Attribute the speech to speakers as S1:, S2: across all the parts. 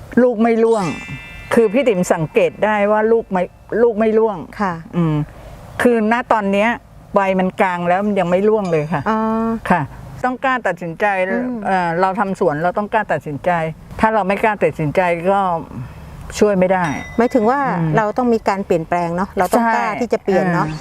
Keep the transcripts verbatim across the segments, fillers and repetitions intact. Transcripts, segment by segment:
S1: ลูกไม่ร่วงคือพี่ติ๋มสังเกตได้ว่าลูกไม่ลูกไม่ร่วง
S2: ค่ะ
S1: อืมคือณตอนเนี้ยใบมันกลางแล้วมันยังไม่ร่วงเลยค่ะ
S2: อ๋อ
S1: ค่ะต้องกล้าตัดสินใจเอ่อเราทำสวนเราต้องกล้าตัดสินใจถ้าเราไม่กล้าตัดสินใจก็ช่วยไม่ได้
S2: หมายถึงว่าเราต้องมีการเปลี่ยนแปลงเนาะเราต้องกล้าที่จะเปลี่ยนเนาะ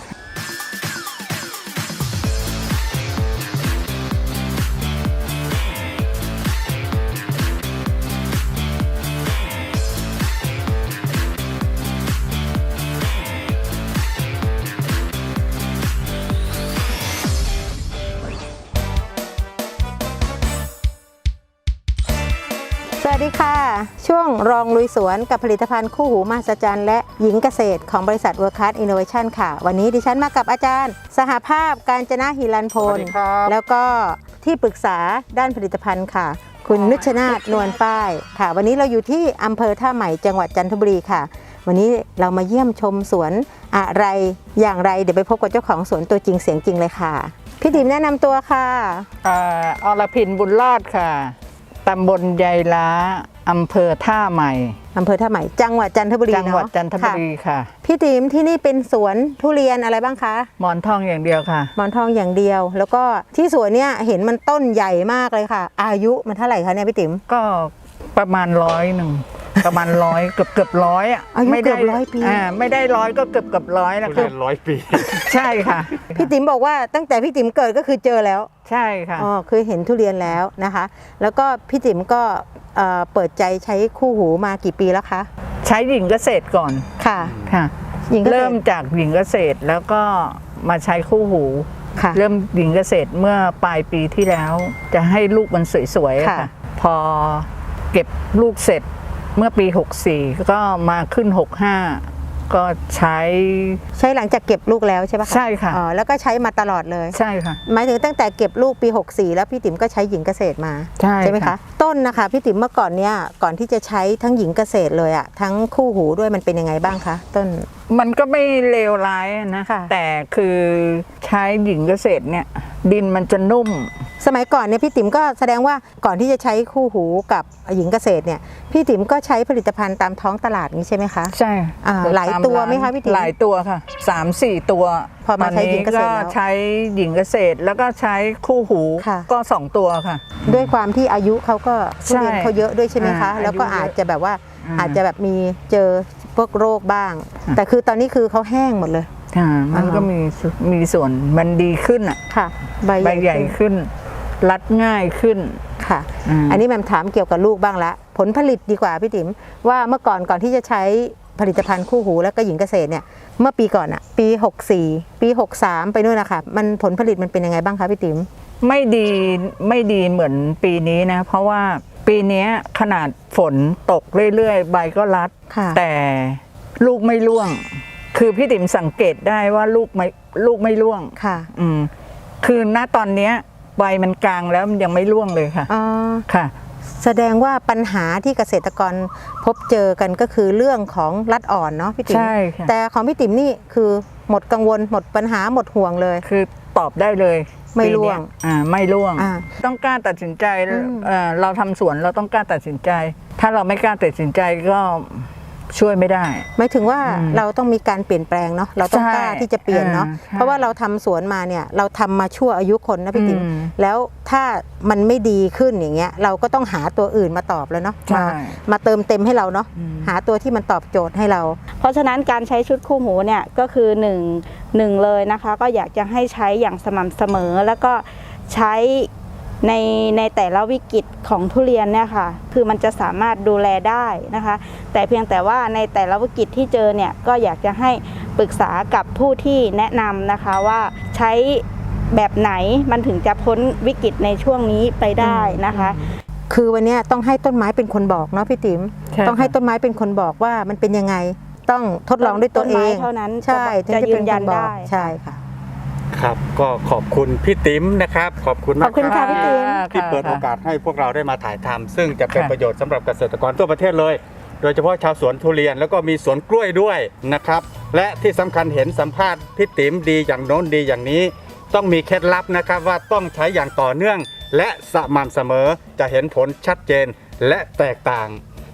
S2: สวัสดีค่ะช่วงรองลุยสวนกับผลิตภัณฑ์คู่หูมหัศจรรย์และหญิงเกษตรของบริษัท World Class Innovation ค่ะวันนี้ดิฉันมากับอาจารย์สหภาพกาญจนาหิรันพลแล้วก็ที่ปรึกษาด้านผลิตภัณฑ์ค่ะคุณนุชนาถนวลป้ายค่ะวันนี้เราอยู่ที่อำเภอท่าใหม่จังหวัดจันทบุรีค่ะวันนี้เรามาเยี่ยมชมสวนอะไรอย่างไรเดี๋ยวไปพบกับเจ้าของสวนตัวจริงเสียงจริงเลยค่ะพี่ติ๋มแนะนำตัวค่ะ
S1: อ่าอรพินบุญรอดค่ะตำบลยายล้าอำเภอท่าใหม่
S2: อำเภอท่าใหม่จังหวัดจันทบุรี
S1: จังหวัดจันทบุรีค่ะ
S2: พี่ติ๋มที่นี่เป็นสวนทุเรียนอะไรบ้างคะ
S1: หมอนทองอย่างเดียวค่ะ
S2: หมอนทองอย่างเดียวแล้วก็ที่สวนเนี่ยเห็นมันต้นใหญ่มากเลยค่ะอายุมันเท่าไหร่คะเนี่ยพี่ติ๋ม
S1: ก็ประมาณร้อยหนึ่งประมาณร้อยเกือบเกือบร้อยอ่ะ
S2: อายุเกือบร้อยปี
S1: อ่าไม่ได้ร้อยก็เกือบเกือบร้อยแล้ว
S3: คือร้อยปี
S1: ใช่ค่ะ
S2: พี่ติ๋มบอกว่าตั้งแต่พี่ติ๋มเกิดก็คือเจอแล้ว
S1: ใช่ค่ะ
S2: อ๋อคือเห็นทุเรียนแล้วนะคะแล้วก็พี่ติ๋มก็เปิดใจใช้คู่หูมากี่ปีแล้วคะ
S1: ใช้หญิงเกษตรก่อน
S2: ค่ะ
S1: ค่ะเริ่มจากหญิงเกษตรแล้วก็มาใช้คู่หูเริ่มหญิงเกษตรเมื่อปลายปีที่แล้วจะให้ลูกมันสวยๆค่ะพอเก็บลูกเสร็จเมื่อปีหกสี่ก็มาขึ้นหกห้าก็ใช้
S2: ใช้หลังจากเก็บลูกแล้วใช่ปะ
S1: ใช่ค่ะ
S2: อ๋อแล้วก็ใช้มาตลอดเลย
S1: ใช่ค่ะ
S2: หมายถึงตั้งแต่เก็บลูกปีหกสี่แล้วพี่ติ๋มก็ใช้หญิงเกษตรมา
S1: ใช่
S2: ใช่ไหมคะต้นนะคะพี่ติ๋มเมื่อก่อนเนี้ยก่อนที่จะใช้ทั้งหญิงเกษตรเลยอะทั้งคู่หูด้วยมันเป็นยังไงบ้างคะต้น
S1: มันก็ไม่เลวร้ายนะแต่คือใช้หญิงเกษตรเนี่ยดินมันจะนุ่ม
S2: สมัยก่อนเนี่ยพี่ติ๋มก็แสดงว่าก่อนที่จะใช้คู่หูกับหญิงเกษตรเนี่ยพี่ติ๋มก็ใช้ผลิตภัณฑ์ตามท้องตลาดนี้ใช่ไหมคะ
S1: ใช่
S2: หลายตัวไหมคะพี่ติ๋ม
S1: หลายตัวค่ะสามสี่ตัว
S2: พอมาใช้หญิงเกษตร
S1: แล้วใช้หญิงเกษตรแล้วก็ใช้คู่หูก็สองตัวค่ะ
S2: ด้วยความที่อายุเขาก็ทุเรียนเขาเยอะด้วยใช่ไหมคะแล้วก็อาจจะแบบว่าอาจจะแบบมีเจอพวกโรคบ้างแต่คือตอนนี้คือเขาแห้งหมดเลย
S1: ค่ะมันก็มีมีส่วนมันดีขึ้นอ่ะ
S2: ค่ะ
S1: ใบใหญ่ขึ้นรัดง่ายขึ้น
S2: ค่ะอันนี้แม่ถามเกี่ยวกับลูกบ้างละผลผลิตดีกว่าพี่ติ๋มว่าเมื่อก่อนก่อนที่จะใช้ผลิตภัณฑ์คู่หูแล้วก็หญิงเกษตรเนี่ยเมื่อปีก่อนอะปีหกสี่ปีหกสามไปนู่นนะคะมันผลผลิตมันเป็นยังไงบ้างคะพี่ติ๋ม
S1: ไม่ดีไม่ดีเหมือนปีนี้นะเพราะว่าปีนี้ขนาดฝนตกเรื่อยๆใบก็รัดแต่ลูกไม่ร่วงคือพี่ติ๋มสังเกตได้ว่าลูกไม่ลูกไม่ร่วง
S2: ค่ะ
S1: อืมคือณตอนเนี้ยใบมันกลางแล้วมันยังไม่ร่วงเลยค่ะ
S2: อ๋อ
S1: ค่ะ
S2: แสดงว่าปัญหาที่เกษตรกรพบเจอกันก็คือเรื่องของรัดอ่อนเนาะพี่ติ๋ม
S1: ใช่ค่ะ
S2: แต่ของพี่ติ๋มนี่คือหมดกังวลหมดปัญหาหมดห่วงเลย
S1: คือตอบได้เลย
S2: ไม่ร่วง
S1: อ่าไม่ร่วงต้องกล้าตัดสินใจเอ่อเราทำสวนเราต้องกล้าตัดสินใจถ้าเราไม่กล้าตัดสินใจก็ช่วยไม่ได้
S2: หมายถึงว่าเราต้องมีการเปลี่ยนแปลงเนาะเราต้องกล้าที่จะเปลี่ยนเนาะเพราะว่าเราทำสวนมาเนี่ยเราทำมาชั่วอายุคนนะพี่ติ๋มแล้วถ้ามันไม่ดีขึ้นอย่างเงี้ยเราก็ต้องหาตัวอื่นมาตอบแล้วเนาะมามาเติมเต็มให้เราเนาะหาตัวที่มันตอบโจทย์ให้เรา
S4: เพราะฉะนั้นการใช้ชุดคู่หูเนี่ยก็คือหนึ่งหนึ่งเลยนะคะก็อยากจะให้ใช้อย่างสม่ำเสมอแล้วก็ใช้ในในแต่ละวิกฤตของทุเรียนเนี่ยค่ะคือมันจะสามารถดูแลได้นะคะแต่เพียงแต่ว่าในแต่ละวิกฤตที่เจอเนี่ยก็อยากจะให้ปรึกษากับผู้ที่แนะนำนะคะว่าใช้แบบไหนมันถึงจะพ้นวิกฤตในช่วงนี้ไปได้นะคะ
S2: คือวันนี้ต้องให้ต้นไม้เป็นคนบอกเนาะพี่ติ๋มต้องให้ต้นไม้เป็นคนบอกว่ามันเป็นยังไงต้องทดลองด้วยตัวเอง
S4: เท่านั้น
S2: ใช่
S4: จะยืนยันได้
S2: ใช่ค่ะ
S3: ครับก็ขอบคุณพี่ติ๋มนะครับขอบคุณมาก
S2: ขอบคุณค่ะพี่ติ๋ม
S3: ที่เปิดโอกาสให้พวกเราได้มาถ่ายทำซึ่งจะเป็นประโยชน์สำหรับเกษตรกรทั่วประเทศเลยโดยเฉพาะชาวสวนทุเรียนแล้วก็มีสวนกล้วยด้วยนะครับและที่สำคัญเห็นสัมภาษณ์พี่ติ๋มดีอย่างโน้นดีอย่างนี้ต้องมีเคล็ดลับนะครับว่าต้องใช้อย่างต่อเนื่องและสม่ำเสมอจะเห็นผลชัดเจนและแตกต่าง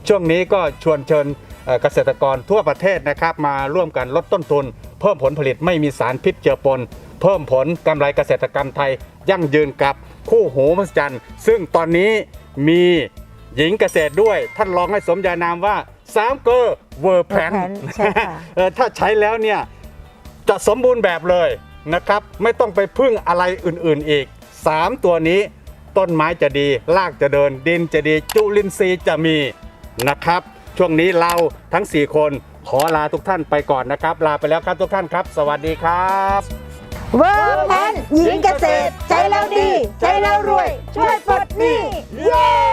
S3: ช่วงนี้ก็ชวนเชิญเอ่อเกษตรกรทั่วประเทศนะครับมาร่วมกันลดต้นทุน เพิ่มผลผลิตไม่มีสารพิษเจือปน เพิ่มผลกำไรเกษตรกรรมไทยยั่งยืนกับคู่หูมหัศจรรย์ซึ่งตอนนี้มีหญิงเกษตรด้วยท่านลองให้สมญานามว่าสามเกอร์เวอร์แพน
S2: ใช่ค่ะ
S3: ถ้าใช้แล้วเนี่ยจะสมบูรณ์แบบเลยนะครับไม่ต้องไปพึ่งอะไรอื่นๆอีกสามตัวนี้ต้นไม้จะดีรากจะเดินดินจะดีจุลินทรีย์จะมีนะครับช่วงนี้เราทั้งสี่คนขอลาทุกท่านไปก่อนนะครับลาไปแล้วครับทุกท่านครับ สวัสดีครับ
S2: เวิร์กแพนหญิงเกษตร ใจเราดี ใจเรารวย ช่วยปลดหนี้เย้